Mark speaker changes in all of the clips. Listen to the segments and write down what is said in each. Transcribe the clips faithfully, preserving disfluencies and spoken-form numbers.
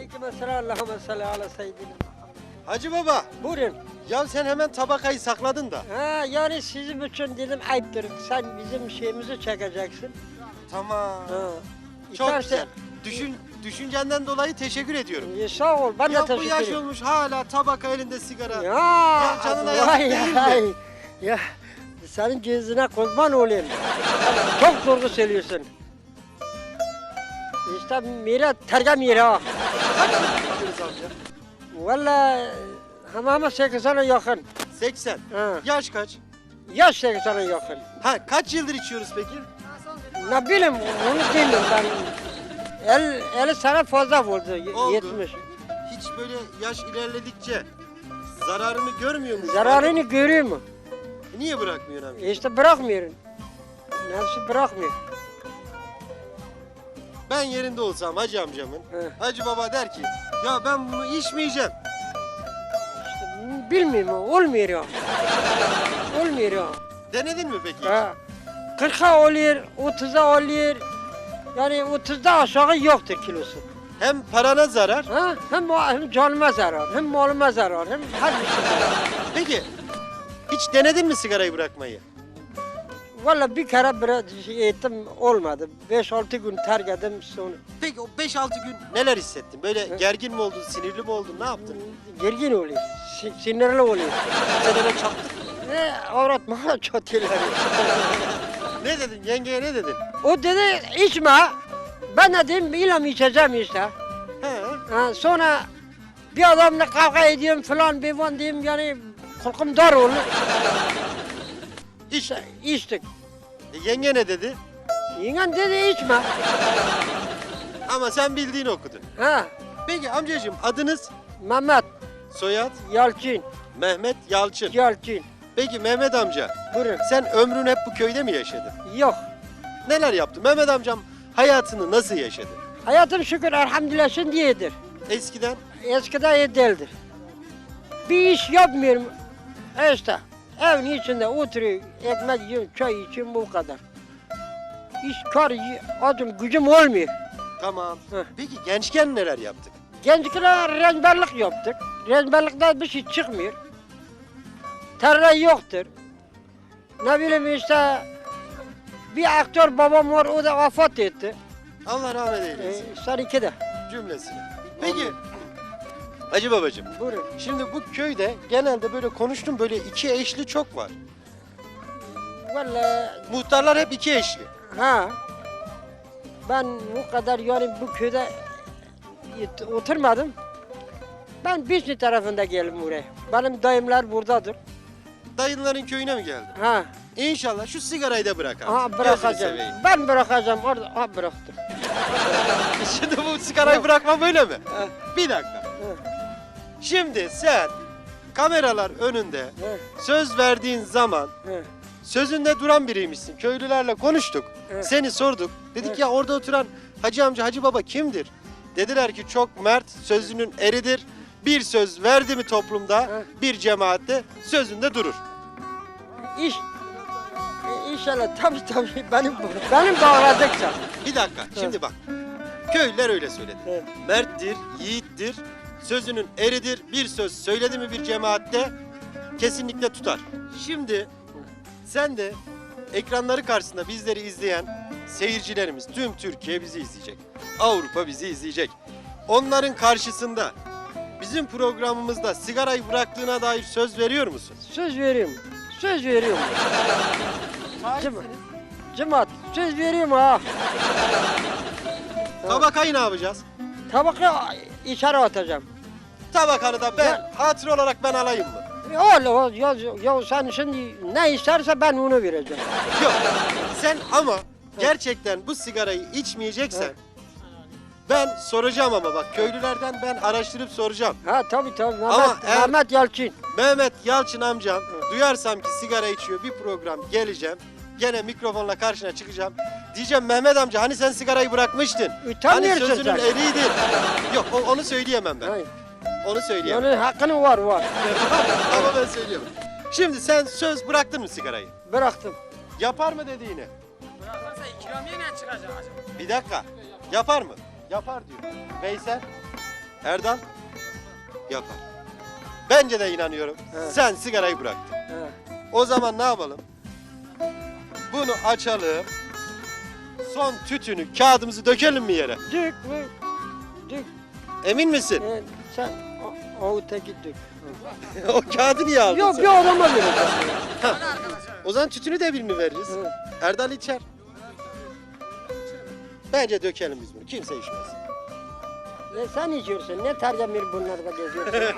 Speaker 1: Aleykümselam. Allahümme salli ala seyyidina.
Speaker 2: Hacı baba,
Speaker 1: Buyurun.
Speaker 2: ya sen hemen tabakayı sakladın da.
Speaker 1: Ha, yani sizin için dedim ayıptır. Sen bizim şeyimizi çekeceksin.
Speaker 2: Tamam.
Speaker 1: Ha.
Speaker 2: Çok
Speaker 1: İstersen-
Speaker 2: güzel. Düşün, düşüncenden dolayı teşekkür ediyorum.
Speaker 1: Ya, sağ ol. Ben de
Speaker 2: Ya bu
Speaker 1: teşekkür
Speaker 2: yaş
Speaker 1: ederim.
Speaker 2: olmuş hala tabaka elinde sigara.
Speaker 1: Ya,
Speaker 2: Ya canına yazık
Speaker 1: vay,
Speaker 2: değil mi?
Speaker 1: vay. Ya senin gözüne kurban olayım. Çok doğru söylüyorsun. İşte mira tergem yeri ha.
Speaker 2: Bakıyoruz amca.
Speaker 1: Valla hamama sekize yakın.
Speaker 2: seksen.
Speaker 1: Ha.
Speaker 2: Yaş kaç?
Speaker 1: Yaş sekize yakın.
Speaker 2: Ha, kaç yıldır içiyoruz peki?
Speaker 1: Ne bileyim onu bilmiyorum ben. El, elli sene fazla oldu. y-
Speaker 2: Oldu.
Speaker 1: yetmiş.
Speaker 2: Hiç böyle yaş ilerledikçe zararını görmüyor musun?
Speaker 1: Zararını görüyor mu?
Speaker 2: Niye bırakmıyorsun amca?
Speaker 1: İşte bırakmıyorum. Nefsi bırakmıyor.
Speaker 2: Ben yerinde olsam hacı amcamın,
Speaker 1: He.
Speaker 2: hacı baba der ki, ya ben bunu içmeyeceğim.
Speaker 1: İşte bilmiyorum olmuyor ya. Olmuyor ya.
Speaker 2: Denedin mi peki?
Speaker 1: Ha. kırka oluyor, otuza oluyor. Yani otuzda aşağı yoktur kilosu.
Speaker 2: Hem parana zarar.
Speaker 1: Ha? Hem, hem canıma zarar, hem malıma zarar, hem her bir şey zarar.
Speaker 2: Peki hiç denedin mi sigarayı bırakmayı?
Speaker 1: Valla bir kere biraz şey ettim olmadı. beş altı gün terk ettim sonra.
Speaker 2: Peki o beş altı gün neler hissettin? Böyle
Speaker 1: He.
Speaker 2: gergin mi oldun, sinirli mi oldun, ne yaptın?
Speaker 1: Gergin oluyor, si- sinirli oluyor.
Speaker 2: Senene çattık.
Speaker 1: Ne avrat bana çatıyorlar.
Speaker 2: Ne dedin? Yengeye ne dedin?
Speaker 1: O dedi içme. Ben de dedim ilam içeceğim işte.
Speaker 2: He.
Speaker 1: Ha, sonra bir adamla kavga ediyorum falan bir van diyeyim yani korkum dar oldu.
Speaker 2: İşte.
Speaker 1: İçtik.
Speaker 2: E, yenge ne dedi?
Speaker 1: Yengen dedi içme.
Speaker 2: Ama sen bildiğini okudun.
Speaker 1: Ha,
Speaker 2: Peki amcacığım adınız?
Speaker 1: Mehmet
Speaker 2: Soyad?
Speaker 1: Yalçın,
Speaker 2: Mehmet Yalçın.
Speaker 1: Yalçın.
Speaker 2: Peki Mehmet amca,
Speaker 1: Buyurun.
Speaker 2: sen ömrün hep bu köyde mi yaşadın?
Speaker 1: Yok.
Speaker 2: Neler yaptın? Mehmet amcam hayatını nasıl yaşadı?
Speaker 1: Hayatım şükür elhamdülillah şimdi iyidir.
Speaker 2: Eskiden
Speaker 1: Eskiden iyi değildir. Bir iş yapmıyorum. E İşte evin içinde oturuyor, ekmek yiyorum, çay içiyorum bu kadar. İş kar, adım gücüm olmuyor.
Speaker 2: tamam.
Speaker 1: Heh.
Speaker 2: Peki gençken neler yaptık?
Speaker 1: Gençlere renberlik yaptık. Renberlikten bir şey çıkmıyor. Tarla yoktur. Ne bileyim işte bir aktör babam var o da vefat etti.
Speaker 2: Allah rahmet
Speaker 1: Ee,
Speaker 2: eylesin
Speaker 1: seninki de.
Speaker 2: cümlesini. Peki Hacı babacığım,
Speaker 1: Buyurun.
Speaker 2: şimdi bu köyde genelde böyle konuştum böyle iki eşli çok var.
Speaker 1: Vallahi
Speaker 2: Muhtarlar hep iki eşli.
Speaker 1: ha. Ben bu kadar yani bu köyde yet- oturmadım. Ben Biçni tarafında geldim buraya. Benim dayımlar buradadır.
Speaker 2: Dayınların köyüne mi geldin?
Speaker 1: Ha,
Speaker 2: İnşallah şu sigarayı da bırak abi.
Speaker 1: ha
Speaker 2: Gözünü
Speaker 1: bırakacağım.
Speaker 2: seveyim.
Speaker 1: Ben bırakacağım orada. Ha bıraktım.
Speaker 2: Şimdi bu sigarayı
Speaker 1: Yok.
Speaker 2: bırakma böyle mi?
Speaker 1: Ha,
Speaker 2: Bir dakika. Şimdi sen kameralar önünde
Speaker 1: ha,
Speaker 2: söz verdiğin zaman
Speaker 1: ha.
Speaker 2: sözünde duran biriymişsin. Köylülerle konuştuk.
Speaker 1: Evet.
Speaker 2: Seni sorduk. Dedik
Speaker 1: Evet.
Speaker 2: ya orada oturan hacı amca, hacı baba kimdir? Dediler ki çok mert, sözünün eridir. Bir söz verdi mi toplumda,
Speaker 1: Evet.
Speaker 2: bir cemaatte sözünde durur.
Speaker 1: İş e, İnşallah tabii tabii benim benim bağladıkça.
Speaker 2: Bir dakika, şimdi bak. Köylüler öyle söyledi.
Speaker 1: Evet.
Speaker 2: Merttir, yiğittir, sözünün eridir. Bir söz söyledi mi bir cemaatte kesinlikle tutar. Şimdi sen de ekranları karşısında bizleri izleyen seyircilerimiz, tüm Türkiye bizi izleyecek. Avrupa bizi izleyecek. Onların karşısında bizim programımızda sigarayı bıraktığına dair söz veriyor musun?
Speaker 1: Söz veriyorum. Söz veriyorum. Cema Cemaat söz veriyorum ha.
Speaker 2: Tabakayı ne yapacağız?
Speaker 1: Tabaka içeri atacağım.
Speaker 2: Tabakanı da ben
Speaker 1: Ya-
Speaker 2: hatır olarak ben alayım mı?
Speaker 1: Öyle o ya, ya sen şimdi ne isterse ben onu vereceğim.
Speaker 2: Yok. Sen ama gerçekten bu sigarayı içmeyeceksen
Speaker 1: Evet.
Speaker 2: ben soracağım ama bak köylülerden ben araştırıp soracağım.
Speaker 1: Ha tabii tabii Mehmet,
Speaker 2: Ama eğer-
Speaker 1: Mehmet Yalçın.
Speaker 2: Mehmet Yalçın amcam
Speaker 1: Evet.
Speaker 2: duyarsam ki sigara içiyor bir program geleceğim. Gene mikrofonla karşına çıkacağım. Diyeceğim Mehmet amca hani sen sigarayı bırakmıştın. Hani
Speaker 1: Utanmıyorsun
Speaker 2: sözünün
Speaker 1: sen.
Speaker 2: eriydi. Yok o- onu söyleyemem ben.
Speaker 1: Hayır.
Speaker 2: Onu söyleyemem.
Speaker 1: Yani hakkın var var.
Speaker 2: Ama ben söyleyemem. Şimdi sen söz bıraktın mı sigarayı?
Speaker 1: Bıraktım.
Speaker 2: Yapar mı dediğini?
Speaker 3: Bırakırsa ikramiye ne çıkacak acaba?
Speaker 2: Bir dakika. Yapar mı? Yapar diyor. Veysel? Erdal yapar. Bence de inanıyorum.
Speaker 1: Evet.
Speaker 2: Sen sigarayı bıraktın.
Speaker 1: He.
Speaker 2: O zaman ne yapalım? Bunu açalım. Son tütünü, kağıdımızı dökelim mi yere?
Speaker 1: Dük mü? Dük.
Speaker 2: Emin misin?
Speaker 1: Ee, sen o, o öteki dük.
Speaker 2: O kağıdı niye aldın
Speaker 1: Yok
Speaker 2: sen?
Speaker 1: bir adama vereceğim.
Speaker 2: O zaman tütünü de birini veririz.
Speaker 1: Hı.
Speaker 2: Erdal içer. Bence dökelim biz bunu. Kimse içmez.
Speaker 1: E sen içiyorsun. Ne tercemir bunlarda geziyorsun?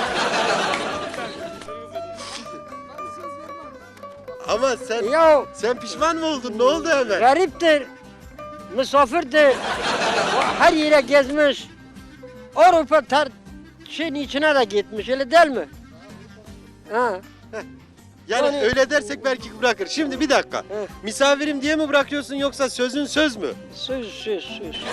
Speaker 2: Ama sen
Speaker 1: ya
Speaker 2: sen pişman mı oldun? Ne oldu hemen?
Speaker 1: gariptir. Misafirdir. O her yere gezmiş. Avrupa ter şeyin içine de gitmiş. Öyle değil mi? Ha.
Speaker 2: Yani
Speaker 1: Yani-
Speaker 2: öyle dersek belki bırakır. Şimdi bir dakika.
Speaker 1: Hı.
Speaker 2: Misafirim diye mi bırakıyorsun yoksa sözün söz mü?
Speaker 1: Söz söz söz.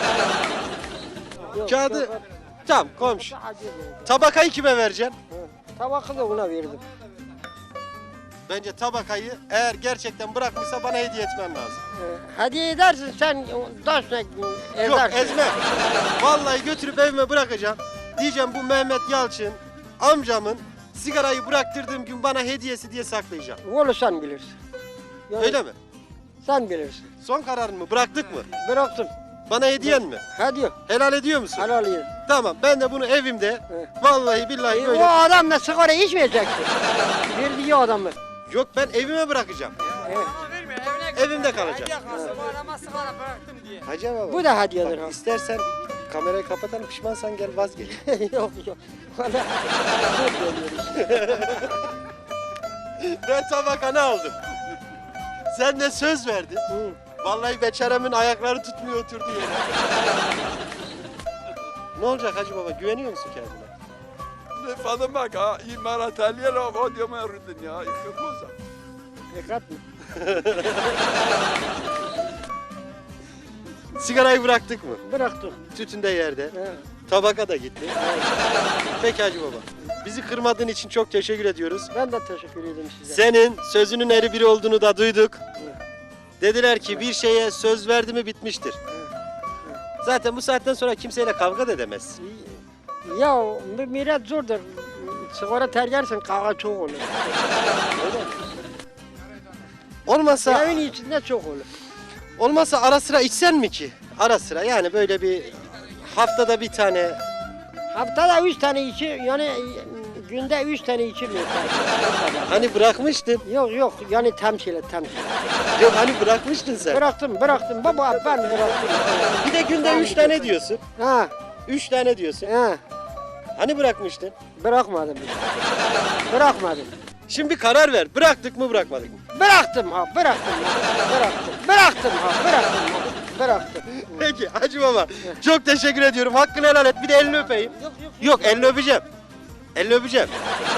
Speaker 1: Yok,
Speaker 2: Kağıdı-
Speaker 1: yok,
Speaker 2: Tamam komşu.
Speaker 1: hadi be.
Speaker 2: Tabakayı kime vereceksin?
Speaker 1: Hı. Tabakı da ona verdim.
Speaker 2: Bence tabakayı eğer gerçekten bırakmışsa bana hediye etmen lazım.
Speaker 1: Ee, Hediye edersin sen taşla edersin.
Speaker 2: Yok ezme. Vallahi götürüp evime bırakacağım. Diyeceğim bu Mehmet Yalçın amcamın sigarayı bıraktırdığım gün bana hediyesi diye saklayacağım.
Speaker 1: Onu sen bilirsin. Yani
Speaker 2: Öyle mi?
Speaker 1: Sen bilirsin.
Speaker 2: Son kararın mı? Bıraktık mı?
Speaker 1: Bıraktım.
Speaker 2: Bana hediyen mi?
Speaker 1: Hadi
Speaker 2: Helal ediyor musun?
Speaker 1: helal ye.
Speaker 2: Tamam ben de bunu evimde
Speaker 1: He.
Speaker 2: vallahi billahi
Speaker 1: E,
Speaker 2: böyle.
Speaker 1: o adam da sigara içmeyeceksin. Verdiği adamı.
Speaker 2: Yok ben evime bırakacağım.
Speaker 1: Evet.
Speaker 2: Evimde kalacak.
Speaker 3: Hediye kalsa bu adama sigara bıraktım diye.
Speaker 2: Hacı baba.
Speaker 1: Bu da hediyedir ha.
Speaker 2: Bak, istersen kamerayı kapatalım pişmansan gel vazgeç.
Speaker 1: yok yok. Bana çok geliyor.
Speaker 2: Ben tabakanı aldım. Sen de söz verdin.
Speaker 1: Hı.
Speaker 2: Vallahi beçeremin ayakları tutmuyor oturdu yere. Ne olacak Hacı baba güveniyor musun kendine?
Speaker 4: فضمك إماراتالية لو بعد يوم يرد الدنيا يكفوزها
Speaker 1: Dikkat mi?
Speaker 2: Sigarayı bıraktık mı?
Speaker 1: Bıraktım.
Speaker 2: Tütün de yerde.
Speaker 1: He.
Speaker 2: Tabaka da gitti. Peki Hacı baba. Bizi kırmadığın için çok teşekkür ediyoruz.
Speaker 1: Ben de teşekkür ederim size.
Speaker 2: Senin sözünün eri biri olduğunu da duyduk. Dediler ki bir şeye söz verdi mi bitmiştir. Zaten bu saatten sonra kimseyle kavga da edemez.
Speaker 1: Ya bir millet zordur. Sigara tergersen kavga çok olur.
Speaker 2: Olmasa
Speaker 1: Evin içinde çok olur.
Speaker 2: olmasa ara sıra içsen mi ki? Ara sıra yani böyle bir haftada bir tane.
Speaker 1: Haftada üç tane içi yani günde üç tane içilmiyor.
Speaker 2: Hani bırakmıştın.
Speaker 1: Yok yok yani temsil et temsil.
Speaker 2: Yok hani bırakmıştın sen.
Speaker 1: Bıraktım bıraktım baba ben bıraktım.
Speaker 2: Bir de günde üç tane diyorsun.
Speaker 1: Ha
Speaker 2: Üç tane diyorsun.
Speaker 1: ha
Speaker 2: Hani bırakmıştın?
Speaker 1: bırakmadım. Bırakmadım.
Speaker 2: Şimdi bir karar ver. Bıraktık mı bırakmadık mı?
Speaker 1: Bıraktım ha bıraktım ha bıraktım. Bıraktım ha bıraktım ha bıraktım.
Speaker 2: Peki Hacı baba çok teşekkür ediyorum. Hakkını helal et. Bir de elini öpeyim.
Speaker 1: Yok yok.
Speaker 2: Yok elini öpeceğim. Elini öpeceğim.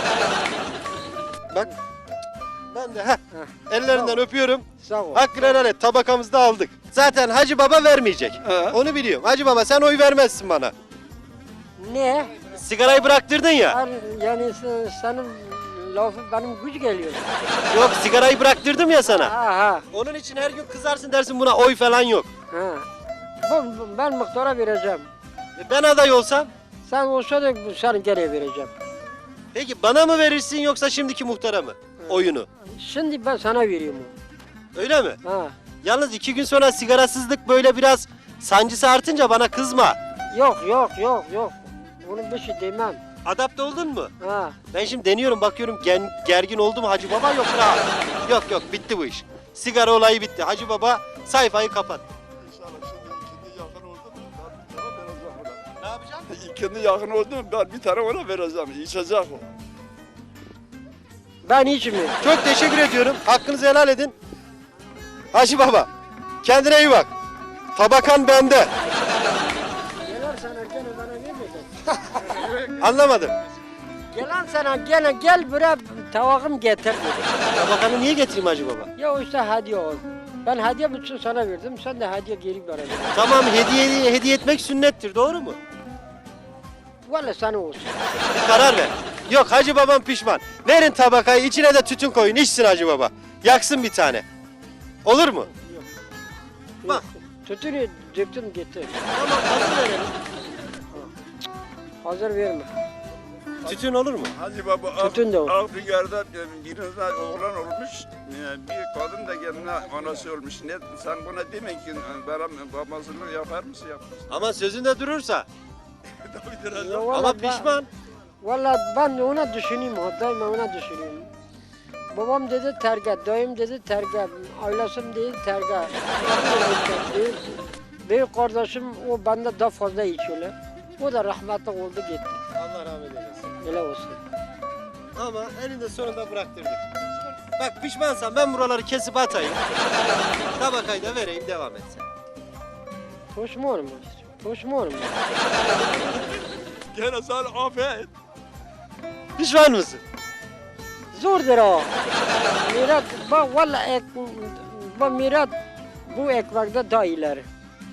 Speaker 2: Bak. Ben de heh. Ellerinden öpüyorum.
Speaker 1: Sağ ol.
Speaker 2: Hakkını helal et. Tabakamızı da aldık. Zaten Hacı baba vermeyecek.
Speaker 4: He.
Speaker 2: Onu biliyorum. Hacı baba sen oy vermezsin bana.
Speaker 1: Ne?
Speaker 2: Sigarayı bıraktırdın ya.
Speaker 1: Her- Yani sen- senin lafı benim güç geliyor.
Speaker 2: Yok sigarayı bıraktırdım ya sana.
Speaker 1: Ha ha.
Speaker 2: Onun için her gün kızarsın dersin buna oy falan yok.
Speaker 1: Ha. Bu, bu- ben muhtara vereceğim.
Speaker 2: E ben aday olsam?
Speaker 1: Sen olsa da bu- seni geri vereceğim.
Speaker 2: Peki bana mı verirsin yoksa şimdiki muhtara mı? Oyunu.
Speaker 1: Şimdi ben sana veriyorum.
Speaker 2: Öyle mi?
Speaker 1: Ha.
Speaker 2: Yalnız iki gün sonra sigarasızlık böyle biraz sancısı artınca bana kızma.
Speaker 1: Yok yok yok yok. Bunu bir şey demem.
Speaker 2: Adapte oldun mu?
Speaker 1: Ha.
Speaker 2: Ben şimdi deniyorum bakıyorum gen, gergin oldu mu Hacı Baba yok rahat. Yok yok bitti bu iş. Sigara olayı bitti. Hacı Baba sayfayı kapat.
Speaker 4: İnşallah şimdi ikindi
Speaker 2: Ne yapacaksın?
Speaker 4: yakın oldu mu ben bir tane vereceğim ona. İkindi yakın oldu mu ben bir tane ona vereceğim. İçecek o.
Speaker 1: Ben içmiyorum.
Speaker 2: Çok teşekkür ediyorum. Hakkınızı helal edin. Hacı Baba kendine iyi bak. Tabakan bende.
Speaker 1: Gelen sana gene bana vermeyecek.
Speaker 2: Anlamadım.
Speaker 1: Gelen sana gene gel buraya tavakım getir dedi.
Speaker 2: Tabakanı niye getireyim Hacı Baba?
Speaker 1: Ya işte hediye ol. Ben hediye bütün sana verdim. Sen de hediye geri bana ver.
Speaker 2: Tamam hediye hediye etmek sünnettir doğru mu?
Speaker 1: Valla sana olsun.
Speaker 2: Bir karar ver. Yok Hacı Babam pişman. Verin tabakayı içine de tütün koyun içsin Hacı Baba. Yaksın bir tane. Olur mu? Bak.
Speaker 1: Tütünü döktüm gitti.
Speaker 2: Tamam hazır verelim.
Speaker 1: Hazır verme.
Speaker 2: Tütün olur mu?
Speaker 4: Hacı Baba
Speaker 1: Tütün de o.
Speaker 4: Afrika'da birine oğlan olmuş, e, bir kadın da kendine anası olmuş. Ne, sen buna demek ki benim babasını yapar mısın yapmaz.
Speaker 2: Ama sözünde durursa.
Speaker 4: Tabii biraz
Speaker 1: Ya
Speaker 4: da-
Speaker 2: Ama
Speaker 1: vallahi ben-
Speaker 2: pişman.
Speaker 1: Valla ben de ona düşüneyim, daima ona düşünüyorum. Babam dedi terga, dayım dedi terga, ailesim dedi terga. büyük, büyük kardeşim o bende daha fazla içiyorlar. O da rahmetli oldu gitti.
Speaker 2: Allah rahmet eylesin.
Speaker 1: Öyle olsun.
Speaker 2: Ama eninde sonunda bıraktırdık. Bak pişmansan ben buraları kesip atayım. Tabakayı da vereyim devam et sen.
Speaker 1: Pişman mı? Pişman mı?
Speaker 4: Gene sen affet.
Speaker 2: Pişman mısın?
Speaker 1: Zordur o. Mirat, bak valla ek, bu mirat bu ekmekte daha ileri.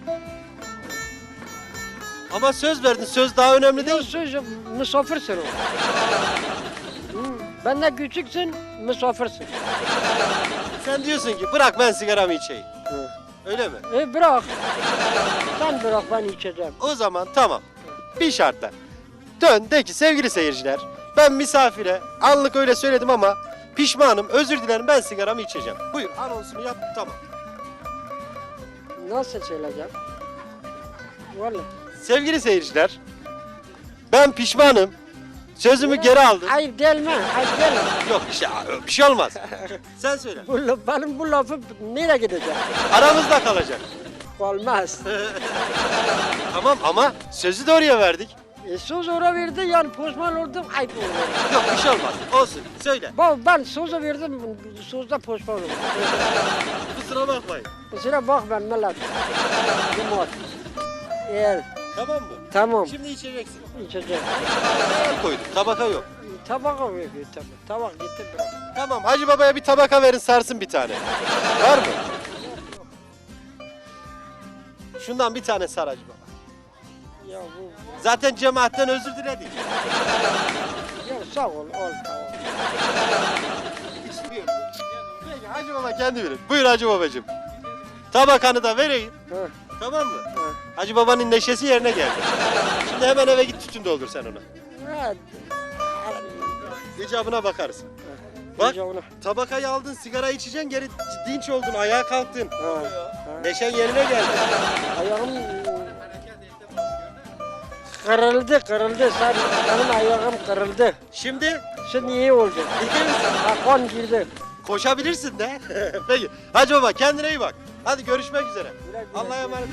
Speaker 2: Ama söz verdin. Söz daha önemli
Speaker 1: Değil.
Speaker 2: değil.
Speaker 1: Söz misafirsin o. Hı, ben de küçüksün, misafirsin.
Speaker 2: Sen diyorsun ki bırak ben sigaramı içeyim.
Speaker 1: Hı.
Speaker 2: Öyle mi?
Speaker 1: E bırak. Sen bırak ben içeceğim.
Speaker 2: O zaman tamam. Bir şartla. Dön de ki sevgili seyirciler. Ben misafire anlık öyle söyledim ama pişmanım. Özür dilerim ben sigaramı içeceğim. Buyur anonsunu yap tamam.
Speaker 1: Nasıl söyleyeceğim? Vallahi.
Speaker 2: Sevgili seyirciler. Ben pişmanım. Sözümü geri aldım.
Speaker 1: Ayıp değil mi? Ayıp değil mi?
Speaker 2: Yok bir şey, bir şey olmaz. Sen söyle.
Speaker 1: Bu, laf- benim bu lafı nereye gidecek?
Speaker 2: Aramızda kalacak.
Speaker 1: Olmaz.
Speaker 2: Tamam ama sözü de oraya verdik.
Speaker 1: E, söz ona verdi yani pişman oldum ayıp oldu.
Speaker 2: Yok bir şey olmaz. Olsun. Söyle.
Speaker 1: Ben, ben sözü verdim sözde pişman oldum.
Speaker 2: Kusura bakmayın.
Speaker 1: Kusura bakma millet. Cumhur. Eğer
Speaker 2: Tamam mı?
Speaker 1: tamam
Speaker 2: Şimdi içeceksin.
Speaker 1: içeceğim.
Speaker 2: Tabaka koydum. Tabaka yok.
Speaker 1: Tabak veriyor tabii. Tabak gitti bırak.
Speaker 2: Tamam Hacı Baba'ya bir tabaka verin sarsın bir tane. Var mı? Şundan bir tane sar Hacı Baba.
Speaker 1: Ya bu
Speaker 2: Zaten cemaatten özür diledik.
Speaker 1: ya sağ ol ol tamam.
Speaker 2: Peki Hacı Baba kendi verin. Buyur Hacı Babacığım. Tabakanı da vereyim.
Speaker 1: Ha,
Speaker 2: Tamam mı?
Speaker 1: ha.
Speaker 2: Hacı Baba'nın neşesi yerine geldi. Şimdi hemen eve git tütün doldur sen ona.
Speaker 1: Ha,
Speaker 2: İcabına bakarız. Bak
Speaker 1: iyice ona-
Speaker 2: tabakayı aldın sigara içeceksin geri dinç oldun ayağa kalktın.
Speaker 1: Ha, ha.
Speaker 2: Neşen yerine geldi.
Speaker 1: Ayağım kırıldı kırıldı sen benim ayağım kırıldı.
Speaker 2: Şimdi
Speaker 1: Şimdi iyi oldu.
Speaker 2: iyi misin?
Speaker 1: Ha, kan girdi.
Speaker 2: Koşabilirsin de. Peki Hacı Baba kendine iyi bak. Hadi görüşmek üzere. Allah'a emanet.